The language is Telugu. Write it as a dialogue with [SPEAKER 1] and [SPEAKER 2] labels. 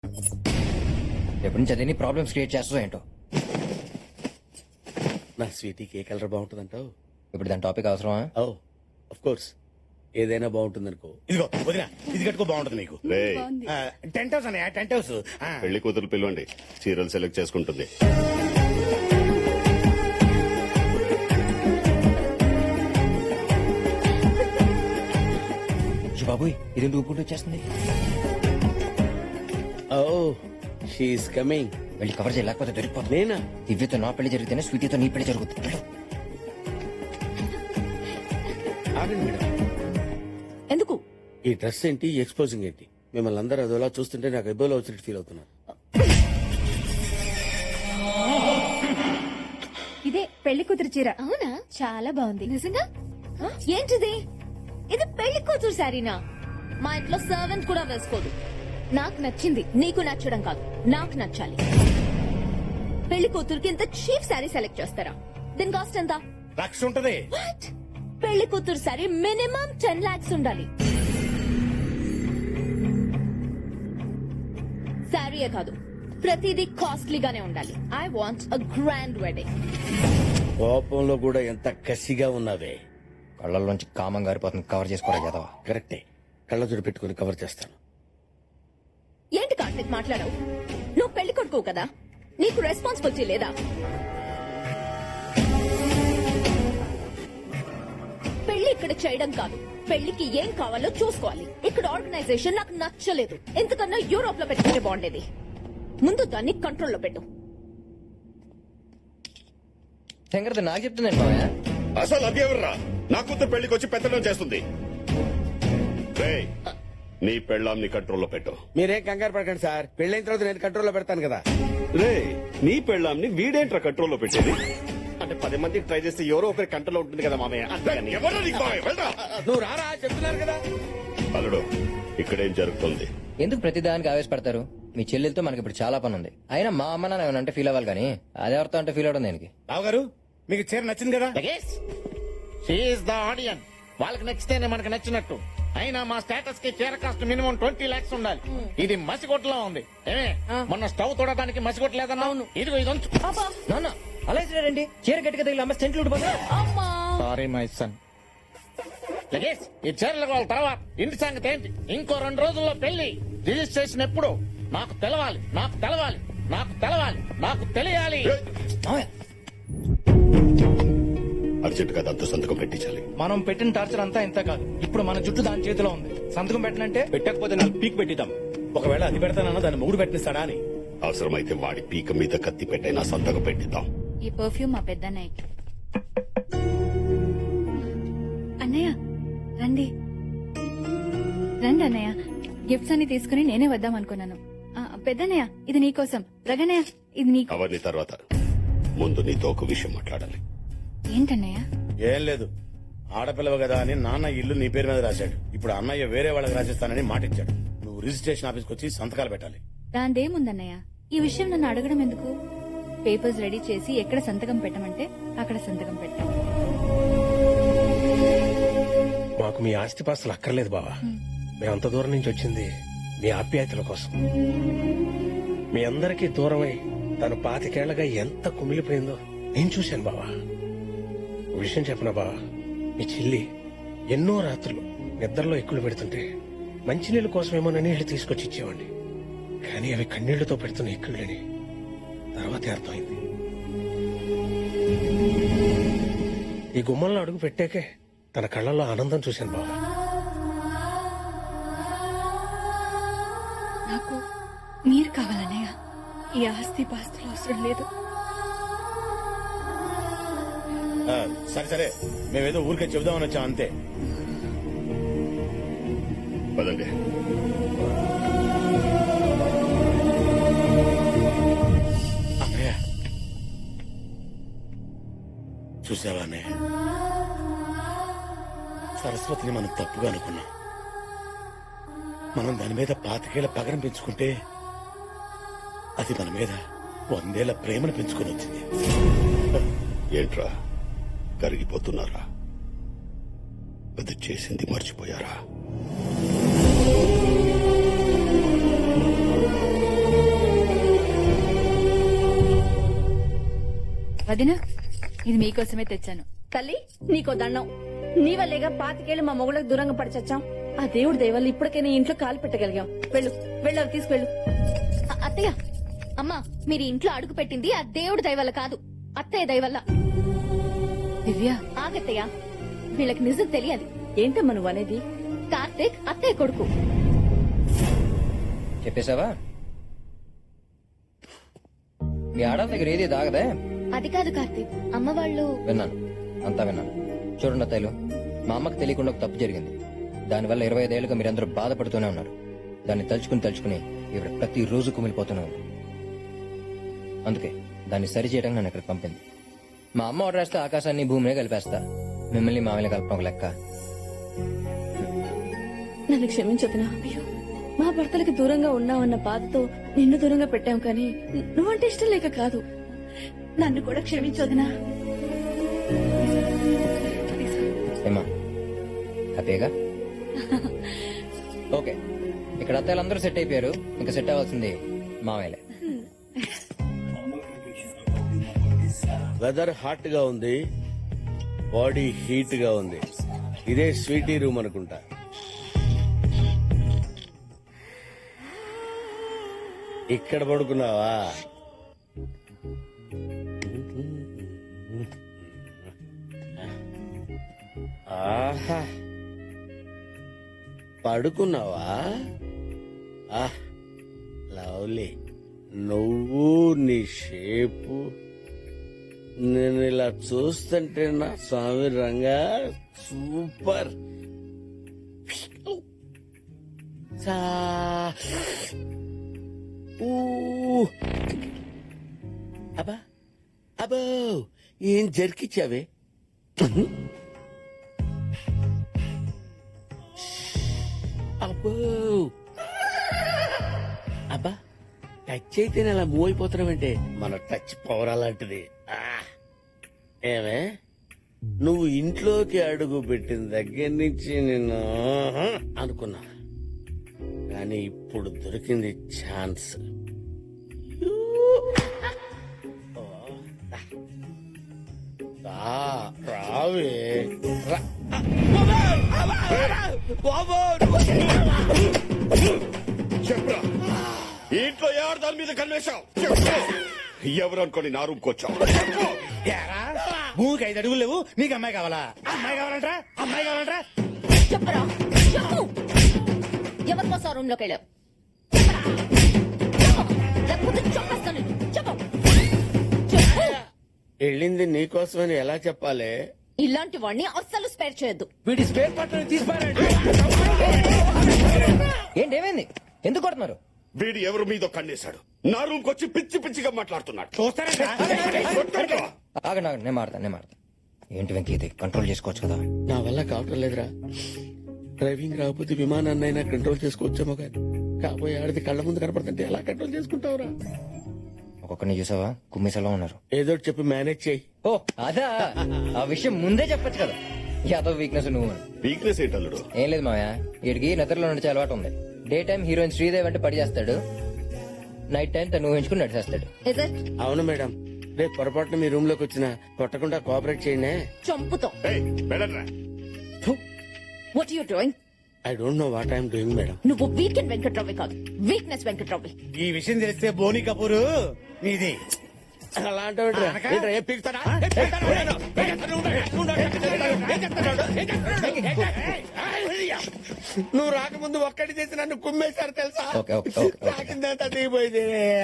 [SPEAKER 1] ఎప్పటి నుంచి అదేని ప్రాబ్లమ్స్ క్రియేట్ చేస్తావు ఏంటో.
[SPEAKER 2] నా స్వీటీకి ఏ కలర్ బాగుంటుంది అంటావు?
[SPEAKER 1] ఇప్పుడు దాని టాపిక్ అవసరమా?
[SPEAKER 2] ఓ ఆఫ్ కోర్స్, ఏదైనా బాగుంటుంది అనుకో.
[SPEAKER 3] ఇదిగో వదినా, ఇది కట్టుకో బాగుంటుంది నీకు.
[SPEAKER 4] రేయ్,
[SPEAKER 3] టెంట్ హౌస్ అనే టెంట్ హౌస్.
[SPEAKER 4] పెళ్లి కూతురు పిలవండి, చీరలు సెలెక్ట్ చేసుకుంటుంది.
[SPEAKER 1] బాబోయ్, ఇది ఊపుకుంటూ వచ్చేస్తుంది.
[SPEAKER 2] ఓ షీఈస్ కమింగ్.
[SPEAKER 1] వెళ్ళి కవర్ చేయలేకపోతే దొరికిపోతుంది.
[SPEAKER 2] నేనా?
[SPEAKER 1] దివ్యతో నా పెళ్లి జరిగితేనే స్వీటీతో నీ పెళ్లి జరుగుతుంది. వెళ్ళు.
[SPEAKER 2] ఆగండి మేడం,
[SPEAKER 5] ఎందుకు?
[SPEAKER 2] ఈ డ్రెస్ ఏంటి, ఎక్స్పోజింగ్ ఏంటి? మిమ్మల్ని అందరూ అదోలా చూస్తుంటే నాకు ఎబ్బోలో వచ్చినట్టు ఫీల్ అవుతున్నాను.
[SPEAKER 6] ఇదే పెళ్లి కూతురు చీర.
[SPEAKER 5] అవునా?
[SPEAKER 6] చాలా బాగుంది.
[SPEAKER 5] నిజంగా? ఏంటిది? ఇది పెళ్లి కూతురు శారీనా? మా ఇంట్లో సర్వెంట్ కూడా వేసుకోదు. నాకు నచ్చింది, నీకు నచ్చడం కాదు, నాకు నచ్చాలి. పెళ్లి కూతురుకి ఇంత చీప్ శారీ సెలెక్ట్ చేస్తారా? దీని కాస్ట్ ఎంత?
[SPEAKER 3] లక్ష ఉంటది.
[SPEAKER 5] What? పెళ్లి కూతురు శారీ మినిమం 10 lakhs ఉండాలి. శారీయే కాదు, ప్రతిదీ కాస్ట్లీగానే ఉండాలి. I want a grand wedding.
[SPEAKER 2] కోపంలో కూడా ఎంత కసిగా ఉన్నావే.
[SPEAKER 1] కళ్ళల్లోంచి కామం గారిపోతుంది. కవర్ చేసుకోరా యాదవ.
[SPEAKER 2] కరెక్టే, కళ్ళజోడు పెట్టుకుని కవర్ చేస్తాను.
[SPEAKER 5] ఏంటి కార్తిక్ మాట్లాడవు? నువ్వు పెళ్లి కొడుకు కదా, నీకు రెస్పాన్సిబిలిటీ లేదా? పెళ్లి ఇక్కడ చేయడం కాదు, పెళ్లికి ఏం కావాలో చూసుకోవాలి. ఇక్కడ ఆర్గనైజేషన్ నాకు నచ్చలేదు. ఎందుకన్నా యూరోప్ లో పెట్టుకుంటే బాగుండేది. ముందు దాన్ని కంట్రోల్లో పెట్టు.
[SPEAKER 1] శంకర్ నాకు చెప్తుందండి మామయ్య.
[SPEAKER 4] అసలు అది ఎవర్రా నా కూతురు పెళ్లికి వచ్చి పెత్తనం చేస్తుంది? రేయ్, నీ పెళ్ళాంని కంట్రోల్లో పెట్టు.
[SPEAKER 2] మీరేం కంగారు పడకండి సార్, పెళ్ళైన తర్వాత నేను కంట్రోల్లో పెడతాను కదా.
[SPEAKER 4] రే, నీ పెళ్ళాంని వీడేంట్రా కంట్రోల్లో పెట్టేది?
[SPEAKER 7] అంటే 10 మందికి ట్రై చేస్తే ఎవరో ఒకరి కంట్రోల్లో ఉంటుంది కదా మామయ్య. అంతేగాని
[SPEAKER 4] ఎవరో నీకు మామయ్య, వెళ్ళరా.
[SPEAKER 2] నువ్వు రారా, చెప్తున్నారు కదా.
[SPEAKER 4] అల్లుడు, ఇక్కడేం జరుగుతుంది?
[SPEAKER 1] ఎందుకు ప్రతిదానికి ఆవేశపడతారు? మీ చెల్లెలతో మనకి ఇప్పుడు చాలా పని ఉంది. అయినా మా అమ్మ నాన్న ఏమన్నా అంటే ఫీల్ అవ్వాలి కానీ అదెవరితో అంటే ఫీల్ అవడం దేనికి?
[SPEAKER 3] రావు గారు, మీకు చీర నచ్చింది కదా?
[SPEAKER 7] She is the audience. వాళ్ళకి నచ్చితేనే మనకు నచ్చినట్టు. అయినా మా స్టేటస్ కి చీర కాస్ట్ మినిమం 20 lakhs ఉండాలి. ఇది మసిగొట్టలో ఉంది. ఏమే, మొన్న స్టవ్ తోడడానికి మసిగొట్టలేదన్నా? ఇదిగో ఇది ఉంచు.
[SPEAKER 1] నాన్న అలా ఇచ్చినారండి. చీర గట్టిగా తగిలి అమ్మ సెంట్లు ఊడిపోతా.
[SPEAKER 7] Sorry my son. లగేష్, ఈ చీరలు వాళ్ళ తర్వాత ఇంటి సంగతి ఏంటి? ఇంకో 2 రోజుల్లో పెళ్లి. రిజిస్ట్రేషన్ ఎప్పుడు? నాకు తెలవాలి, నాకు తెలవాలి, నాకు తెలవాలి, నాకు తెలియాలి.
[SPEAKER 4] అర్జెంట్ గా దాంతో సంతకం పెట్టించాలి.
[SPEAKER 8] మనం పెట్టిన టార్చర్ అంతా ఇంత కాదు. ఇప్పుడు మన జుట్టు దాని చేతిలో ఉంది. సంతకం పెట్టనంటే
[SPEAKER 3] పెట్టకపోతే 4 పీక్ పెట్టిద్దాం. ఒకవేళ అది పెడతానన్నా దాన్ని మూడు పెట్టిస్తాడా అని.
[SPEAKER 4] అవసరమైతే వాడి పీక మీద కత్తి పెట్టైనా సంతకం పెట్టిద్దాం.
[SPEAKER 6] ఈ పర్ఫ్యూమ్ మా పెద్దన్నయ్యకి. అన్నయ్య రండి రండి అన్నయ్య. గిఫ్ట్స్ అన్ని తీసుకుని నేనే వద్దాం అనుకున్నాను. పెద్దన్నయ్య ఇది నీకోసం. రగన్నయ్య ఇది నీకు.
[SPEAKER 4] అవన్నీ తర్వాత, ముందు నీతో ఒక విషయం మాట్లాడాలి.
[SPEAKER 6] ఏంటన్నయ్య?
[SPEAKER 3] ఏం లేదు, ఆడపిల్లవ కదా అని నాన్న ఇల్లు నీ పేరు మీద రాశాడు. ఇప్పుడు అన్నయ్య వేరే వాళ్ళకి రాసిస్తానని మాట ఇచ్చాడు. నువ్వు రిజిస్ట్రేషన్ ఆఫీస్కి వచ్చి సంతకాలు పెట్టాలి.
[SPEAKER 6] దాందేముందన్నయ్య, ఈ విషయం నన్ను అడగడం ఎందుకు? పేపర్స్ రెడీ చేసి ఎక్కడ సంతకం పెట్టమంటే అక్కడ సంతకం పెట్టాం.
[SPEAKER 9] మాకు మీ ఆస్తిపాస్తులు అక్కర్లేదు బావా. మేమంత దూరం నుంచి వచ్చింది మీ ఆప్యాయతల కోసం. మీ అందరికీ దూరమై తను 25 ఏళ్లగా ఎంత కుమిలిపోయిందో నేను చూశాను బావా. విషయం చెప్పనా బావా, మీ చెల్లి ఎన్నో రాత్రులు నిద్రలో ఎక్కులు పెడుతుంటే మంచినీళ్ళ కోసమేమోనని నీళ్లు తీసుకొచ్చి ఇచ్చేవాడిని. కానీ అవి కన్నీళ్లతో పెడుతున్న ఎక్కుళ్ళని తర్వాతే అర్థమైంది. ఈ గుమ్మంలో అడుగు పెట్టాకే తన కళ్ళల్లో ఆనందం చూశాను బావా.
[SPEAKER 6] నాకు మీరు కావాలన్నయ్య. ఈ ఆస్తి పాస్తులు అవసరం లేదు.
[SPEAKER 3] సరే సరే, మేమేదో ఊరికే చెబుదామని వచ్చాం అంతే.
[SPEAKER 4] పదండి.
[SPEAKER 3] అన్నయ్య చూసావా అన్నయ్య, సరస్వతిని మనం తప్పుగా అనుకున్నాం. మనం దాని మీద 25 ఏళ్ల పగరం పెంచుకుంటే అది మన మీద 100 ఏళ్ల ప్రేమను పెంచుకొని వచ్చింది.
[SPEAKER 4] ఏంట్రా కరిగిపోతున్నారా? అది చేసింది మర్చిపోయారా?
[SPEAKER 6] వదినా ఇది మీకోసమే తెచ్చాను.
[SPEAKER 10] తల్లి నీకో దండం. నీ వల్లేగా 25 మా మొగుళ్ళకి దూరంగా పడిచచ్చాం. ఆ దేవుడి దయవల్ల ఇప్పటికైనా ఇంట్లో కాలు పెట్టగలిగాం. వెళ్ళు వెళ్ళు, అవి తీసుకెళ్ళు.
[SPEAKER 5] అత్తయ్య అమ్మా, మీరు ఇంట్లో అడుగు పెట్టింది ఆ దేవుడి దయ వల్ల కాదు, అత్తయ్య దయ వల్ల.
[SPEAKER 6] దివ్య
[SPEAKER 5] ఆగత్తయ్య, వీళ్ళకి నిజం తెలియదు.
[SPEAKER 10] ఏంటమ్మా నువ్వు అనేది?
[SPEAKER 5] కార్తీక్ అత్తయ్య కొడుకు.
[SPEAKER 1] చెప్పేశావా? మీ ఆడల దగ్గర ఏది దాగదే?
[SPEAKER 5] అది కాదు కార్తీక్, అమ్మ వాళ్ళు.
[SPEAKER 1] విన్నాను, అంతా విన్నాను. చూడండి అత్తయ్యలు, మా అమ్మకి తెలియకుండా ఒక తప్పు జరిగింది. దానివల్ల 25 ఏళ్ళుగా మీరందరూ బాధపడుతూనే ఉన్నారు. దాన్ని తలుచుకుని ఈవిడ ప్రతి రోజు కుమిలిపోతూనే ఉంది. అందుకే దాన్ని సరిచేయడానికి నన్ను ఇక్కడికి పంపింది. మా అమ్మ ఆర్డర్ వేస్తే ఆకాశాన్ని భూమిని కలిపేస్తా. మిమ్మల్ని మామయ్య కలపడం ఒక లెక్క.
[SPEAKER 10] నన్ను క్షమించొద్దునా. అయ్యో, మా భర్తలకి దూరంగా ఉన్నావన్న బాధతో నిన్ను దూరంగా పెట్టాం, కానీ నువ్వంటే ఇష్టం లేక కాదు. నన్ను కూడా క్షమించొద్దునా.
[SPEAKER 1] ఏమా హ్యాపీగా? ఓకే, ఇక్కడ అత్తయ్యలందరూ సెట్ అయిపోయారు. ఇంకా సెట్ అవ్వాల్సింది మామయ్యలే.
[SPEAKER 2] వెదర్ హాట్ గా ఉంది, బాడీ హీట్ గా ఉంది. ఇదే స్వీటీ రూమ్ అనుకుంటా. ఇక్కడ పడుకున్నావా? ఆహా, పడుకున్నావా? లవ్లీ. నువ్వు నీ షేపు, నేను ఇలా చూస్తుంటే నా స్వామి రంగా సూపర్. అబ్బా అబ్బో, ఏం జరికిచ్చావే? అబ్బో అబ్బా, టచ్ అయితేనే అలా మూవ్ అయిపోతున్నావంటే మన టచ్ పవర్ అలాంటిది. ఏమే, నువ్వు ఇంట్లోకి అడుగు పెట్టిన దగ్గర నుంచి నేను అనుకున్నా, కానీ ఇప్పుడు దొరికింది ఛాన్స్. రావే
[SPEAKER 4] చెప్పరా, ఇంట్లో ఎవరు దాని మీద కన్వేశావు? ఎవరు అనుకోని నా రూమ్కి వచ్చావు?
[SPEAKER 7] భూమికి 5 అడుగులు లేవు, నీకు అమ్మాయి కావాలా? అమ్మాయి కావాలంటరా? అమ్మాయి కావాలంటరా?
[SPEAKER 5] చెప్పరా, చెప్పు. ఎవరి కోసం రూమ్ లోకి వెళ్ళావు? లేకపోతే చంపేస్తాను నిన్ను. చెప్పు చెప్పు.
[SPEAKER 2] వెళ్ళింది నీకోసమని ఎలా చెప్పాలి?
[SPEAKER 5] ఇలాంటి వాడిని అస్సలు స్పేర్ చేయొద్దు.
[SPEAKER 8] వీడి స్పేర్ పార్ట్ తీసిపారండి.
[SPEAKER 1] ఏంటి, ఏమైంది? ఎందుకు కొడుతున్నారు?
[SPEAKER 4] వీడు ఎవరు మీదో కన్నేశాడు. నా రూమ్కి వచ్చి పిచ్చి పిచ్చిగా మాట్లాడుతున్నాడు.
[SPEAKER 7] చూస్తారా?
[SPEAKER 1] ఆగండి ఆగండి, నేను మాడతాను. ఏంటి వెంకీ, ఇది కంట్రోల్ చేసుకోవచ్చు కదా?
[SPEAKER 2] నా వల్ల కావటం లేదురా. డ్రైవింగ్ రాకపోతే విమానాన్నైనా కంట్రోల్ చేసుకోవచ్చేమో, కానీ కాబోయే ఆడిది కళ్ళ ముందు కనపడుతుంటే ఎలా కంట్రోల్ చేసుకుంటావురా?
[SPEAKER 1] ఒక్కొక్కరిని చూసావా, కుమ్మిసలా ఉన్నారు.
[SPEAKER 2] ఏదో ఒకటి చెప్పి మేనేజ్ చేయి.
[SPEAKER 1] ఓ అదా, ఆ విషయం ముందే చెప్పొచ్చు కదా. యాదవ్ వీక్నెస్ నువ్వు.
[SPEAKER 4] వీక్నెస్ ఏంటల్లుడు?
[SPEAKER 1] ఏం లేదు మావయ్య, వీడికి నిద్రలో నడిచే అలవాటు ఉంది. డే టైం హీరోయిన్ శ్రీదేవి అంటే పడి చేస్తాడు, నైట్ టైం తను ఊహించుకుని నడిచేస్తాడు.
[SPEAKER 2] అవును మేడం, రేపు పొరపాటున మీ రూమ్ లోకి వచ్చినా కొట్టకుండా కోఆపరేట్ చేయండి.
[SPEAKER 5] చంపుతాం.
[SPEAKER 4] వెళ్ళరా.
[SPEAKER 5] What you doing?
[SPEAKER 2] I don't know what I'm doing madam.
[SPEAKER 5] నువ్వు వీకెండ్ వెంకట్రావు కాదు, వీక్నెస్ వెంకట్రావు.
[SPEAKER 7] ఈ విషయం తెలిస్తే బోని కపూర్ నీది.
[SPEAKER 2] అలాంటి నువ్వు రాకముందు ఒక్కటి చేసి నన్ను కుమ్మేశారు తెలుసా?
[SPEAKER 1] Okay okay okay.
[SPEAKER 2] నాకిందంతా దిగిపోయింది.